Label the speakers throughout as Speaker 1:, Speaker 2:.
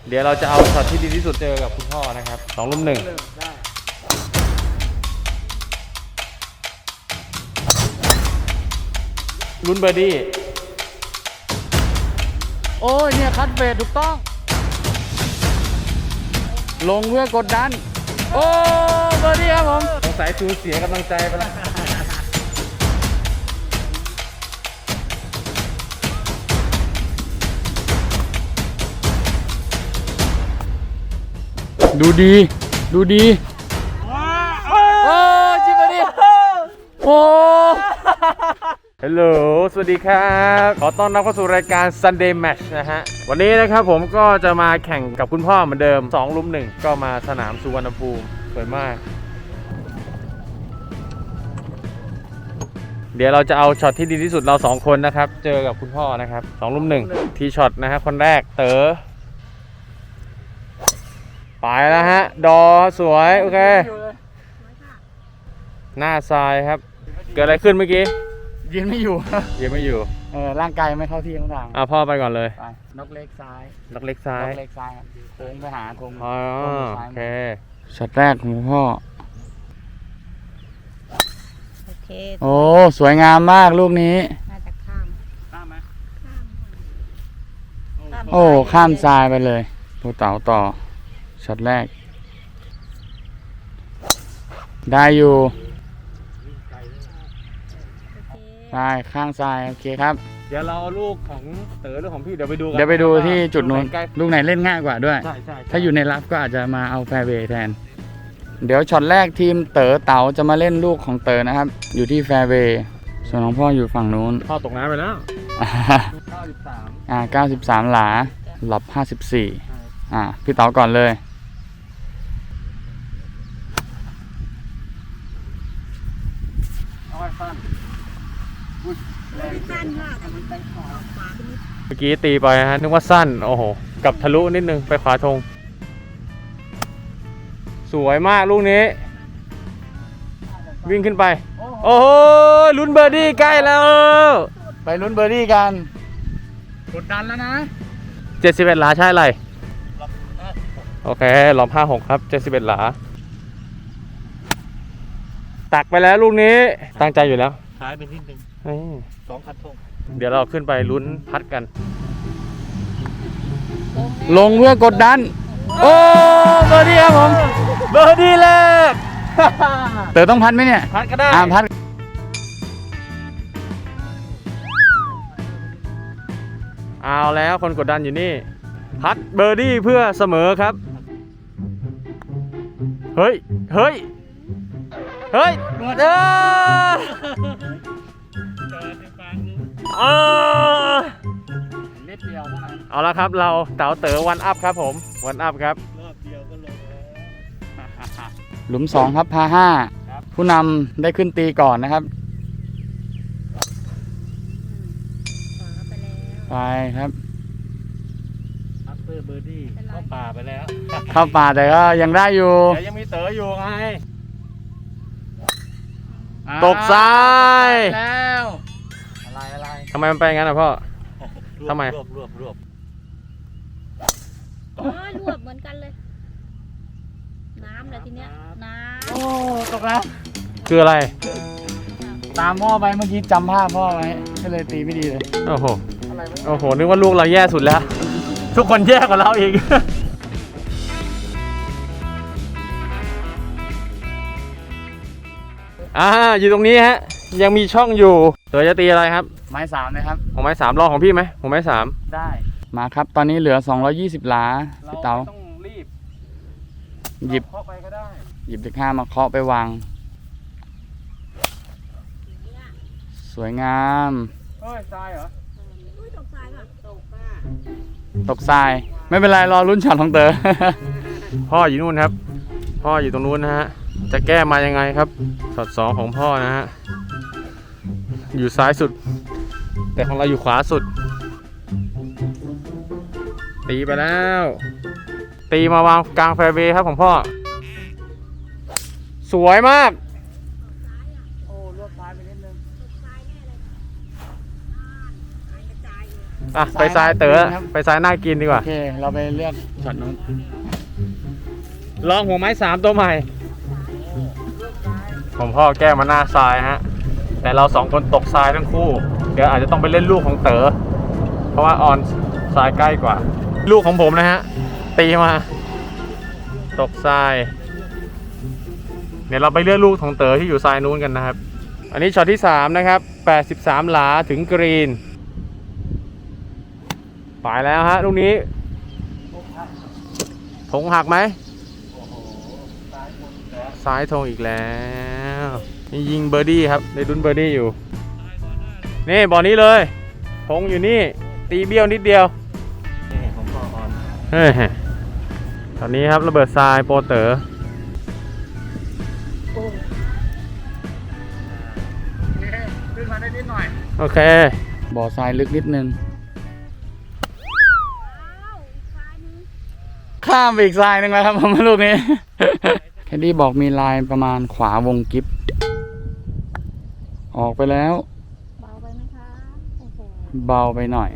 Speaker 1: เดี๋ยวเราจะเอาช็อตที่ดีที่สุดเจอกับคุณพ่อนะครับ2 ลุ่ม 1ลุ้นเบอร์ดี้
Speaker 2: โอ้ยเนี่ยคัดเบสถูกต้องลงเพื่อกดดันโอ้เบอร์ดี้ครับผม
Speaker 1: สงสัยสูญเสียกำลังใจไปแล้ว
Speaker 2: ดูดีดูดีโอ้จิบเบอร์ดี้โอ้
Speaker 1: ฮัลโหลสวัสดีครับขอต้อนรับเข้าสู่รายการ Sunday Match นะฮะวันนี้นะครับผมก็จะมาแข่งกับคุณพ่อเหมือนเดิม2 ลุ่ม 1ก็มาสนามสุวรรณภูมิสวยมากเดี๋ยวเราจะเอาช็อตที่ดีที่สุดเรา2 คนนะครับเจอกับคุณพ่อนะครับ2 ลุ่ม 1ทีช็อตนะฮะคนแรกเต๋อไปแล้วฮะดอสวยโอเคหน้าทรายครับเกิดอะไรขึ้นเมื่อกี้
Speaker 2: ยืนไม่อยู่
Speaker 1: ยืนไม่อยู่
Speaker 2: ร่างกายไม่เข้าที่ทั้งทาง
Speaker 1: พ่อไปก่อนเลย
Speaker 2: ไปนกเล็กซ้าย
Speaker 1: นกเล็กซ้าย
Speaker 2: นกเล็กซ้ายครับโค้งไปหาธง
Speaker 1: โอเค
Speaker 2: ช็อตแรกของพ่อ
Speaker 3: โอเค
Speaker 2: โอ้สวยงามมากลูกนี้
Speaker 3: น่าจะข้าม
Speaker 1: ไหม
Speaker 2: โอ้ข้ามทรายไปเลยตัวเต๋าต่อช็อตแรกได้อยู่ใช่ข้างซ้ายโอเคครับ
Speaker 1: เดี๋ยวเราเอาลูกของเต๋อหรือของพี่เดี๋ยวไปดูกัน
Speaker 2: เดี๋ยวไปดูที่จุดนู้นลูกไหนเล่นง่ายกว่าด้วย
Speaker 1: ใช่
Speaker 2: ถ้าอยู่ในรับก็อาจจะมาเอาแฟร์เวย์แทนเดี๋ยวช็อตแรกทีมเต๋อเต๋าจะมาเล่นลูกของเต๋อนะครับอยู่ที่แฟร์เวย์ส่วนของพ่ออยู่ฝั่งนู้น
Speaker 1: พ่อตกน้ำไปแล้ว
Speaker 2: 93หลาหลับ54พี่เต๋าก่อนเลย
Speaker 1: เมื่อกี้ตีไปฮะนึกว่าสั้นโอ้โหกับทะลุนิดนึงไปขวาธงสวยมากลูกนี้วิ่งขึ้นไปโอ้โหลุ้นเบอร์ดี้ใกล้แล้ว
Speaker 2: ไปลุ้นเบอร์ดี้กันกดดันแล้วนะ
Speaker 1: 71หลาใช่ไรโอเคหลอม56ครับ71หลาตักไปแล้วลูกนี้ตั้งใจอยู่แล้ว
Speaker 2: ท้ายเป็นนิดนึง2 คันธง
Speaker 1: เดี๋ยวเราขึ้นไปลุ้นพัดกัน
Speaker 2: ลงเพื่อกดดันโอ้เบอร์ดี้ครับผม
Speaker 1: เบอร์ดี้แรก
Speaker 2: เต๋อต้องพัดไหมเนี่ย
Speaker 1: พัดก็ได้
Speaker 2: พัด
Speaker 1: เอาแล้วคนกดดันอยู่นี่พัดเบอร์ดี้เพื่อเสมอครับเฮ้ยเฮ้ยเฮ้ย
Speaker 2: นิดเดียว
Speaker 1: เอาละครับเราเต๋อเต๋อวันอัพครับผมวันอัพครับ
Speaker 2: รอบเดียวก็ลงหลุม2ครับพา5ผู้นำได้ขึ้นตีก่อนนะครับไปครับ
Speaker 1: เบอร์ดี้เข้าป่าไปแล้ว
Speaker 2: เข้าป่าแต่ก็ยังได้อยู่
Speaker 1: แต่ยังมีเต๋ออยู่ไงตกทราย
Speaker 2: แล้วอะไร
Speaker 1: ทำไมมันไปงั้นอ่ะพ่อทำไม
Speaker 3: รวบรวบเหมือนกันเลยน้ำเลยทีเนี้ยน้ำ
Speaker 2: โอ้ตกแล้ว
Speaker 1: คืออะไร
Speaker 2: ตามพ่อไปเมื่อกี้จำภาพพ่อไว้ก็เลยตีไม่ดีเลย
Speaker 1: โอ้โหนึกว่าลูกเราแย่สุดแล้วทุกคนแย่กว่าเราอีกอยู่ตรงนี้ฮะยังมีช่องอยู่เต๋อจะตีอะไรครับ
Speaker 2: ไม้3นะครับ
Speaker 1: ของไม้3รอของพี่ไหมของไม้3
Speaker 2: ได้มาครับตอนนี้เหลือ220หลาพี่เต๋า
Speaker 1: ต้องรีบ
Speaker 2: หยิบ
Speaker 1: เคาะไปก็ได้
Speaker 2: หยิบเลข5มาเคาะไปวางสวยงาม
Speaker 1: เฮ้ยทรายเหรอ
Speaker 3: ตกทรายป่ะ
Speaker 2: ตกทรายไม่เป็นไรรอลุ้นช็อตของเต๋อ
Speaker 1: พ่ออยู่นู่นครับพ่ออยู่ตรงนู้นนะฮะจะแก้มายังไงครับช็อต2ของพ่อนะฮะอยู่ซ้ายสุดแต่ของเราอยู่ขวาสุดตีไปแล้วตีมาวางกลางแฟร์เวย์ครับของพ่อสวยมาก
Speaker 2: โอ้ลวกซ้ายไปนิดนึง
Speaker 1: อ่ะไปทรายเต๋อ
Speaker 2: ครับ
Speaker 1: ไปทรายน่ากินดีกว่า
Speaker 2: โอเค เราไปเลือกช็อตนู้น
Speaker 1: ลองหัวไม้3ตัวใหม่ ผมพ่อแก้มาหน้าทรายฮะ แต่เรา2คนตกทรายทั้งคู่ เดี๋ยวอาจจะต้องไปเล่นลูกของเต๋อ เพราะว่าออนทรายใกล้กว่า ลูกของผมนะฮะ ตีมา ตกทราย เดี๋ยวเราไปเลือกลูกของเต๋อที่อยู่ทรายนู้นกันนะครับ อันนี้ช็อตที่3นะครับ83หลาถึงกรีนไปแล้วฮะลูกนี้ธงหักไหมซ้ายธงอีกแล้วนี่ยิงเบอร์ดี้ครับได้ลุ้นเบอร์ดี้อยู่นี่บอลนี้เลยธงอยู่นี่ตีเบี้ยวนิดเดียวเฮ้ยตอนนี้ครับระเบิดทรายโปรเต๋อขึ้นมาได้นิดหน่อยโอเค
Speaker 2: บ่อทรายลึกนิดนึง ข้ามไปอีกทรายหนึ่งแล้วครับผมลูกนี้ แคดดี้บอกมีลายประมาณขวาวงกิฟออกไปแล้ว
Speaker 3: เบาไปไหมคะโอ้โห
Speaker 2: เบาไปหน่อย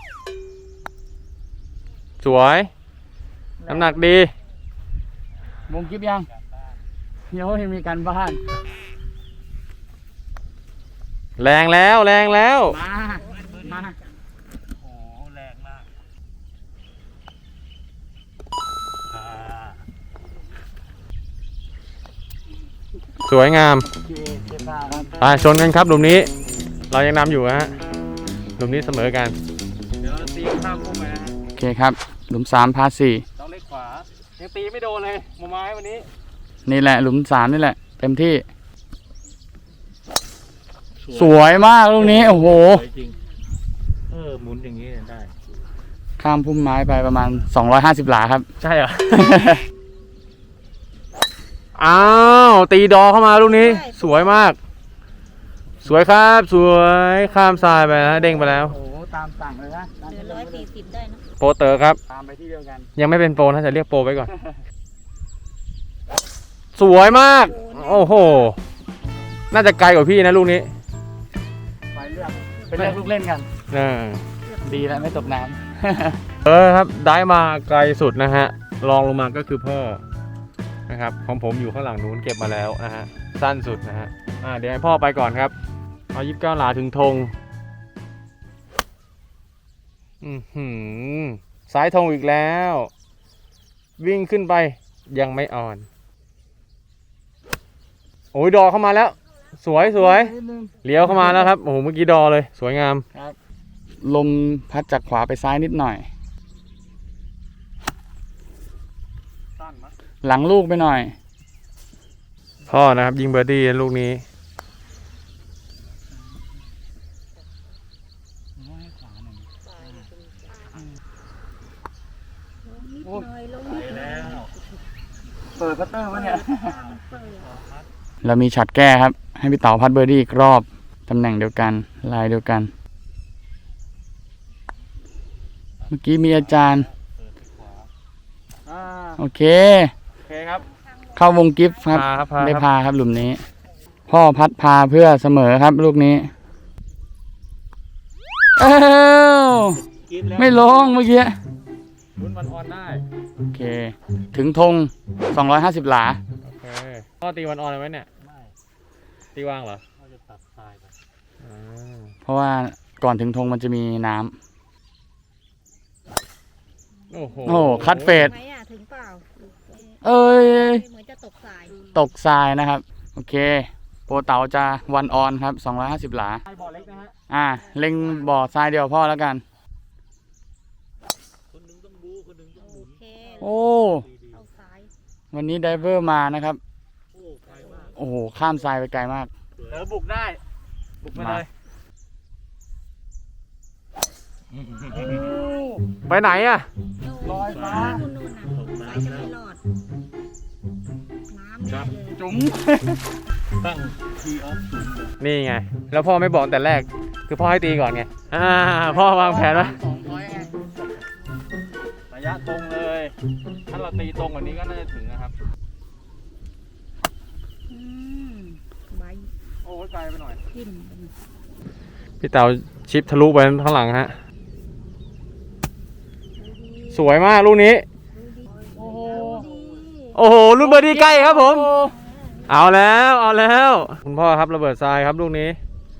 Speaker 1: สวยน้ำหนักดี
Speaker 2: วงกิฟยังเดี๋ยวยังมีการบ้าน
Speaker 1: แรงแล้วแรงแล้ว
Speaker 2: มา
Speaker 1: สวยงาม
Speaker 2: โอเคเจ็บตาครับ
Speaker 1: ไปชนกันครับหลุมนี้ เรายังนำอยู่ฮะหลุมนี้เสมอกัน เดี๋ยวเราตีข้ามพุ่งไปนะฮะ
Speaker 2: โอเคครับหลุม3พา4
Speaker 1: ต้องเล็กขวา ยังตีไม่โดนเลยหมูไม้วันนี้
Speaker 2: นี่แหละหลุม3นี่แหละ เต็มที่ สวยมากลูกนี้ โอ้โห
Speaker 1: สวยจริงหมุนอย่างนี้ได้
Speaker 2: ข้ามพุ่มไม้ไปประมาณ250หลาครับ
Speaker 1: ใช่เหรอ อ้าวตีดอเข้ามาลูกนี้ สวยมาก สวยครับสวยข้ามทรายไปนะเด้งไปแล้ว
Speaker 2: โอ้โหตามสั่งเลยนะ
Speaker 3: เหลือ140ได้นะ
Speaker 1: โปรเตอร์ครับ
Speaker 2: ตามไปที่เดียวกัน
Speaker 1: ยังไม่เป็นโปรนะจะเรียกโปรไว้ก่อน สวยมาก โอ้โห น่าจะไกลกว่าพี่นะลูกนี้
Speaker 2: ไปเลือกลูกเล่นกัน
Speaker 1: เออ
Speaker 2: ดีแล้วไม่ตกน้
Speaker 1: ครับได้มาไกลสุดนะฮะรองลงมาก็คือพ่อนะครับของผมอยู่ข้างหลังนู้นเก็บมาแล้วนะฮะสั้นสุดนะฮะเดี๋ยวให้พ่อไปก่อนครับเอา29หลาถึงธงสายธงอีกแล้ว วิ่งขึ้นไปยังไม่อ่อนโอ้ยดอเข้ามาแล้ว สวยสวยเลี้ยวเข้ามาแล้วครับโอ้โหเมื่อกี้ดอเลยสวยงาม
Speaker 2: ำครับ ลมพัดจากขวาไปซ้ายนิดหน่อย หลังลูกไปหน่อย
Speaker 1: พ่อนะครับยิงเบอร์ดี้ลูกนี้
Speaker 3: ลงนิดหน่อยลงนิดหน่อย
Speaker 2: เปิดพัตเตอร์วะเนี่ย เรามีช็อตแก้ครับ ให้พี่เต๋าพัดเบอร์ดี้อีกรอบ ตำแหน่งเดียวกัน ลายเดียวกัน เมื่อกี้มีอาจารย์ โอเค
Speaker 1: โอเคครับ
Speaker 2: เข้าวงกิฟต์ครับ
Speaker 1: พาครับพา
Speaker 2: ได้
Speaker 1: ครับ
Speaker 2: พาครับหลุมนี้ พ่อพัดพาเพื่อเสมอครับลูกนี้เอ้าไม่ลงเมื่อกี้
Speaker 1: ลุ้นวันออนได้
Speaker 2: โอเค ถึงธง250หลา
Speaker 1: โอเคพ่อตีวันออนเลยไหมเนี่ยไม่ตีว่างเหรอพ่อจะตัดทรายไป
Speaker 2: เพราะว่าก่อนถึงธงมันจะมีน้ำ
Speaker 1: โอ้โห
Speaker 2: โอ้โหคัดเฟด
Speaker 3: ไหมอ่ะถึงเปล่า
Speaker 2: เอ้ย
Speaker 3: เหมือนจะตกสาย
Speaker 2: ตกทรายนะครับ โอเค โปรเต๋าจะวันออนครับ250หลา
Speaker 1: บ่อเล็กนะฮะ
Speaker 2: เล็งบ่อทรายเดียวพ่อแล้วกัน
Speaker 3: โอเค
Speaker 2: โอ้
Speaker 3: เอาสาย
Speaker 2: วันนี้ไดเวอร์มานะครับ โอ้โห ข้ามทรายไปไกลมาก
Speaker 1: บุกได้ บุกไปเลย ไปไหนอ่ะ
Speaker 3: ลอยฟ้าคุณนู่นน่ะสายจะไม่รอด น้ำแน่เลย
Speaker 2: จุ๋ม
Speaker 1: นี่ไง แล้วพ่อไม่บอกแต่แรก คือพ่อให้ตีก่อนไง พ่อวางแผนไว้ระยะตรงเลย ถ้าเราตีตรงกว่านี้ก็น่าจะถึงนะครับ
Speaker 3: ใบ
Speaker 1: โอ้ยไกลไปหน่อย
Speaker 3: กิน
Speaker 1: พี่เต๋าชิปทะลุไปข้างหลังฮะสวยมากลูกนี้
Speaker 2: โอ้โห
Speaker 1: โอ้โหลูกเบอร์ดี้ใกล้ครับผม เอาแล้วเอาแล้วคุณพ่อครับระเบิดทรายครับลูกนี้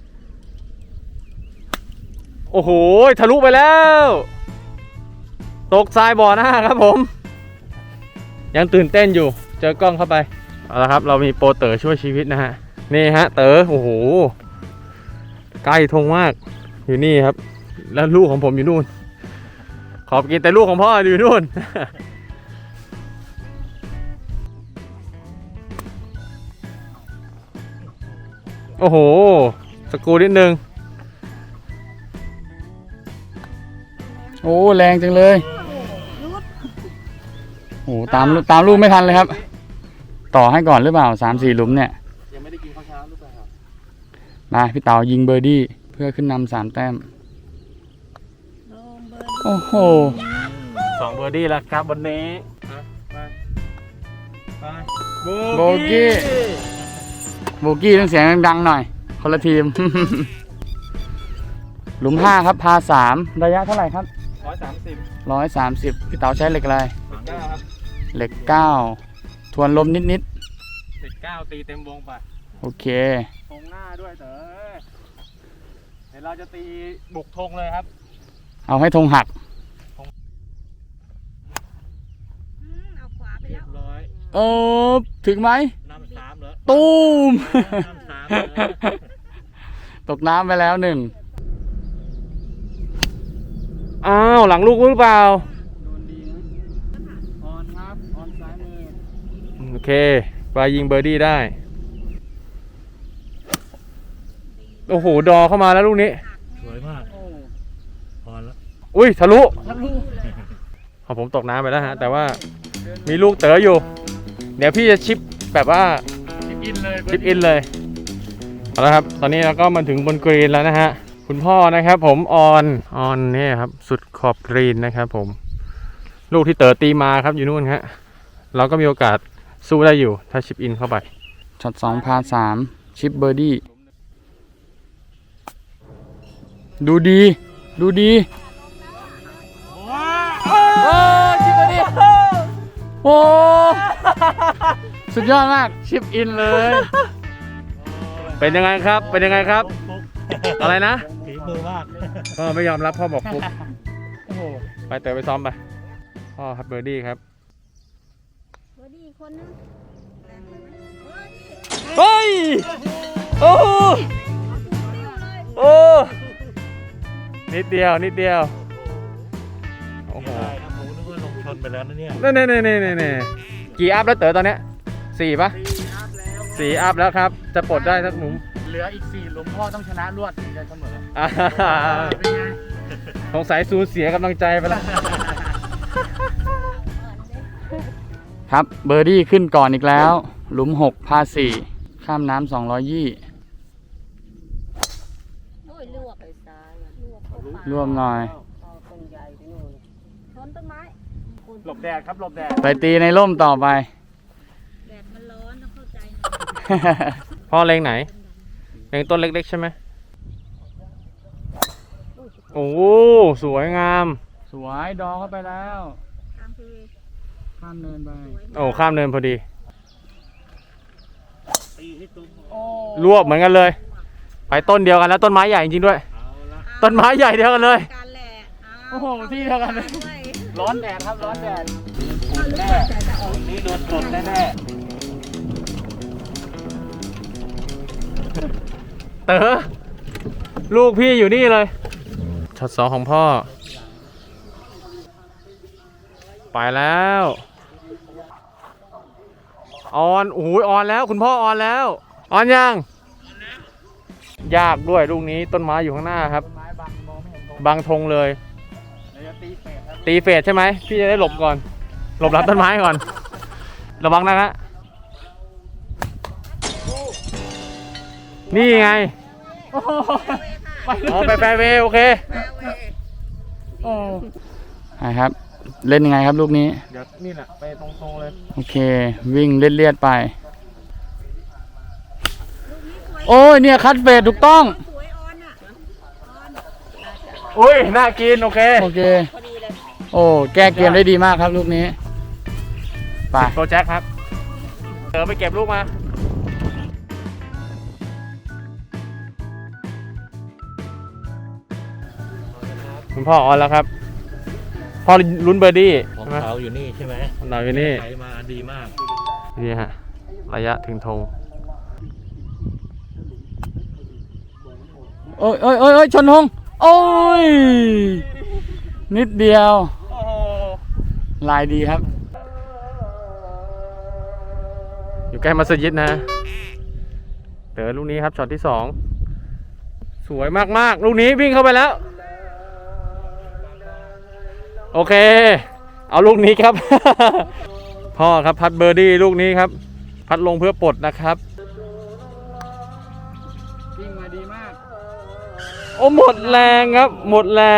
Speaker 1: โอ้โหทะลุไปแล้ว ตกทรายบ่อหน้าครับผม ยังตื่นเต้นอยู่เจอกล้องเข้าไปเอาละครับเรามีโปรเต๋อช่วยชีวิตนะฮะนี่ฮะเต๋อโอ้โหใกล้ธงมากอยู่นี่ครับ แล้วลูกของผมอยู่นู่น ขอบกินแต่ลูกของพ่ออยู่นู่น โอ้โหสกรูนิดนึง
Speaker 2: โอ้แรงจังเลยโอ้ตามลูกไม่ทันเลยครับ ต่อให้ก่อนหรือเปล่า3-4 หลุมเนี่ย
Speaker 1: ยังไม่ได้กินข้าวเช้าหรือเปล่า
Speaker 2: มาพี่เต๋ายิงเบอร์ดี้เพื่อขึ้นนำ3 แต้ม
Speaker 3: ลงเบอร์
Speaker 2: โอ้โห
Speaker 1: 2 เบอร์ดี้แล้วครับวันนี้ไป
Speaker 2: โบกี้ต้องเสียงดังๆหน่อย คนละทีม หลุม5ครับพา3ระยะเท่าไหร่ครับ
Speaker 1: 130
Speaker 2: 130พี่เต๋าใช้เหล็กอะไร
Speaker 1: 9ครับ
Speaker 2: เหล็ก9ทวนลมนิด
Speaker 1: 9ตีเต็มวงไป
Speaker 2: ๆโอเค
Speaker 1: ธงหน้าด้วยเต๋อเดี๋ยวเราจะตีบุกธงเลยครับ
Speaker 2: เอาให้ธงหัก
Speaker 3: เอาขวาไป
Speaker 1: เรี
Speaker 3: แล้
Speaker 1: ยว บร้อย
Speaker 2: ถึงไหม
Speaker 1: นำ3เหรอ
Speaker 2: ตูม
Speaker 1: นำ3เหรอ
Speaker 2: ตกน้ำไปแล้ว1
Speaker 1: อ้าวหลังลูกหรือเปล่า
Speaker 2: โดนดีนะออนครับออนซ้ายมือ
Speaker 1: โอเคปลายิงเบอร์ดี้ได้ โอ้โหดอเข้ามาแล้วลูกนี้
Speaker 4: สวยมากพอแล้ว
Speaker 1: อุ้ยทะลุของผมตกน้ำไปแล้วฮะแต่ว่ามีลูกเต๋ออยู่ เดี๋ยวพี่จะชิปแบบว่า
Speaker 2: ชิปอินเลย
Speaker 1: ชิปอินเลยเอาละครับตอนนี้เราก็มาถึงบนกรีนแล้วนะฮะคุณพ่อนะครับผมออนนี่ครับสุดขอบกรีนนะครับผมลูกที่เต๋อตีมาครับอยู่นู่นฮะเราก็มีโอกาสสู้ได้อยู่ถ้าชิปอินเข้าไป
Speaker 2: ช็อต2พา3ชิปเบอร์ดี้ดูดีโอ้ชิปเบอร์ดี้โอ้สุดยอดมากชิปอินเลย
Speaker 1: เป็นยังไงครับเป็นยังไงครับ อะไรนะ
Speaker 4: ฝีมือมาก
Speaker 1: พ่อไม่ยอมรับพ่อบอกฟุกไปเต๋อไปซ้อมไปพ่อครับเบอร์ดี้ครับ
Speaker 3: เบอร์ดี้อีกคนนึงแรงเลยไหมเบอร์ดี้
Speaker 1: เฮ้ยโอ้โห
Speaker 3: ติ้วเลย
Speaker 1: โอ้นิดเดียวโอ้โห
Speaker 4: ได้ครับผมนึกว่าลงชนไปแล้วนะเนี่ย
Speaker 1: นี่กี่อัพแล้วเต๋อตอนเนี้ย4ปะ4อัพแล้วครับจะปลดได้สักหนุ่ม
Speaker 2: เหลืออีก4หลุมพ่อต้องชนะรวดถึงจะเสมอ
Speaker 1: อ่า
Speaker 2: เป็นไง
Speaker 1: สงสัยสูญเสียกำลังใจไปแล้ว
Speaker 2: ครับเบอร์ดี้ขึ้นก่อนอีกแล้ว หลุม6พา4ข้ามน้ำ220
Speaker 3: โอ้ยลวกไปซ้ายลวกเข้าปาก
Speaker 2: ร่วมหน่อย
Speaker 3: ชนต้นไม้
Speaker 1: หลบแดดครับหลบแดด
Speaker 2: ไปตีในร่มต่อไป
Speaker 3: แดดมันร้อนต้องเข้าใจหน่อย
Speaker 1: พ่อเล็งไหนเล็งต้นเล็กๆใช่ไหมโอ้โหสวยงาม
Speaker 2: สวยดอเข้าไปแล้ว
Speaker 3: ตามคือ
Speaker 2: ข้ามเนินไป
Speaker 1: โอ้ข้ามเนินพอดี
Speaker 4: ตีให้ตุ้ม
Speaker 2: โอ้
Speaker 1: รวบเหมือนกันเลย ไปต้นเดียวกันแล้วต้นไม้ใหญ่จริงๆด้วย
Speaker 4: เอาละ
Speaker 1: ต้นไม้ใหญ่เดียวกันเลย
Speaker 3: การแหละ
Speaker 2: โอ้โหที่เดียวกันเลย
Speaker 3: ด้วย
Speaker 2: ร้อนแดดครับร้อนแดด
Speaker 3: แน่
Speaker 4: วันนี้โดนกดแน่
Speaker 1: เต๋อลูกพี่อยู่นี่เลยช็อต2ของพ่อ ไปแล้วออนโอ้โหออนแล้วคุณพ่อออนแล้วออนยังยากด้วยลูกนี้ต้นไม้อยู่ข้างหน้าครับ
Speaker 2: ไม้บังมองไม่เห็นตรง
Speaker 1: บังธงเลย
Speaker 2: เดี๋ยวจะตีเฟสครับ
Speaker 1: ตีเฟสใช่ไหมพี่จะได้หลบก่อน หลบรับต้นไม้ก่อน ระวังนะฮะนี่ไง
Speaker 2: โอ้โหไป
Speaker 1: อ๋อไปแฟร์เวย์โอเค
Speaker 2: โอ้ครับ เล่นยังไงครับลูกนี้
Speaker 1: เดี๋ยวนี่แหละไปตรงๆเลย
Speaker 2: โอเค วิ่งเลียดๆไป โอ้ยเนี่ยคัดเฟสถูกต้อง
Speaker 3: สวยออนอ่ะออน
Speaker 1: อุ้ยน่ากินโอเค
Speaker 2: โอเค
Speaker 3: พอดีเลย
Speaker 2: โอ้แก้เกมได้ดีมากครับลูกนี้ไป
Speaker 1: โปรแจ็คครับเต๋อไปเก็บลูกมาคุณพ่อออนแล้วครับพ่อลุ้นเบอร์ดี้
Speaker 4: ของ
Speaker 1: ใช่ไหม
Speaker 4: เขาอยู่นี่ใช่ไหม
Speaker 1: ของเราอยู่นี่
Speaker 4: ไหลมาดีมาก
Speaker 1: นี่ฮะระยะถึงธง
Speaker 2: โอ้ยโอ้ยโอ้ยโอ้ยชนหงโอ้ยนิดเดียว
Speaker 1: โอ้โห
Speaker 2: ลายดีครับ
Speaker 1: อยู่ใกล้มัสยิดนะเต๋อลูกนี้ครับช็อตที่ 2 สวยมากๆลูกนี้วิ่งเข้าไปแล้ว โอเค เอาลูกนี้ครับ พ่อครับพัดเบอร์ดี้ลูกนี้ครับ พัดลงเพื่อปลดนะครับ
Speaker 2: วิ่งมาดีมาก
Speaker 1: โอ้หมดแรงครับ หมดแรง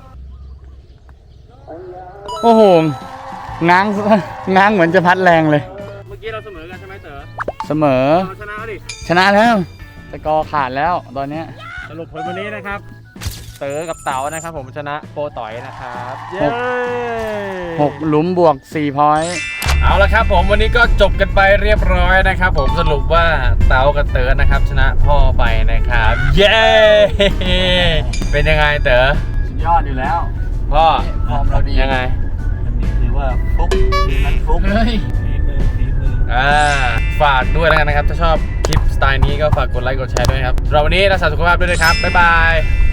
Speaker 2: โอ้โหง้าง ง้างเหมือนจะพัดแรงเลย
Speaker 1: เมื่อกี้เราเสมอกันใช่ไหมเต๋อ
Speaker 2: เสมอ
Speaker 1: เราชนะดิ
Speaker 2: ชนะแล้วสกอร์ขาดแล้วตอนเนี้ย
Speaker 1: สรุปผลวันนี้นะครับ เต๋อกับเต๋านะครับ ผมชนะโปรต่อยนะครับเย้
Speaker 2: 6 หลุมบวก 4 พอยต์
Speaker 1: เอาละครับผมวันนี้ก็จบกันไปเรียบร้อยนะครับ ผมสรุปว่าเต๋ากับเต๋อนะครับ ชนะพ่อไปนะครับ เย้ เป็นยังไงเต๋อ
Speaker 2: สุดยอดอยู่แล้ว
Speaker 1: พ่อ
Speaker 2: ฟอร์มเราดี
Speaker 1: ยังไง
Speaker 4: อันนี้ถือว่าฟุกทีมนั้นฟุก
Speaker 2: เฮ้ย
Speaker 4: ฝีมือ
Speaker 1: ฝากด้วยแล้วกันนะครับ ถ้าชอบคลิปสไตล์นี้ก็ฝากกดไลค์กดแชร์ด้วยครับเราวันนี้รักษาสุขภาพด้วยนะครับบ๊ายบาย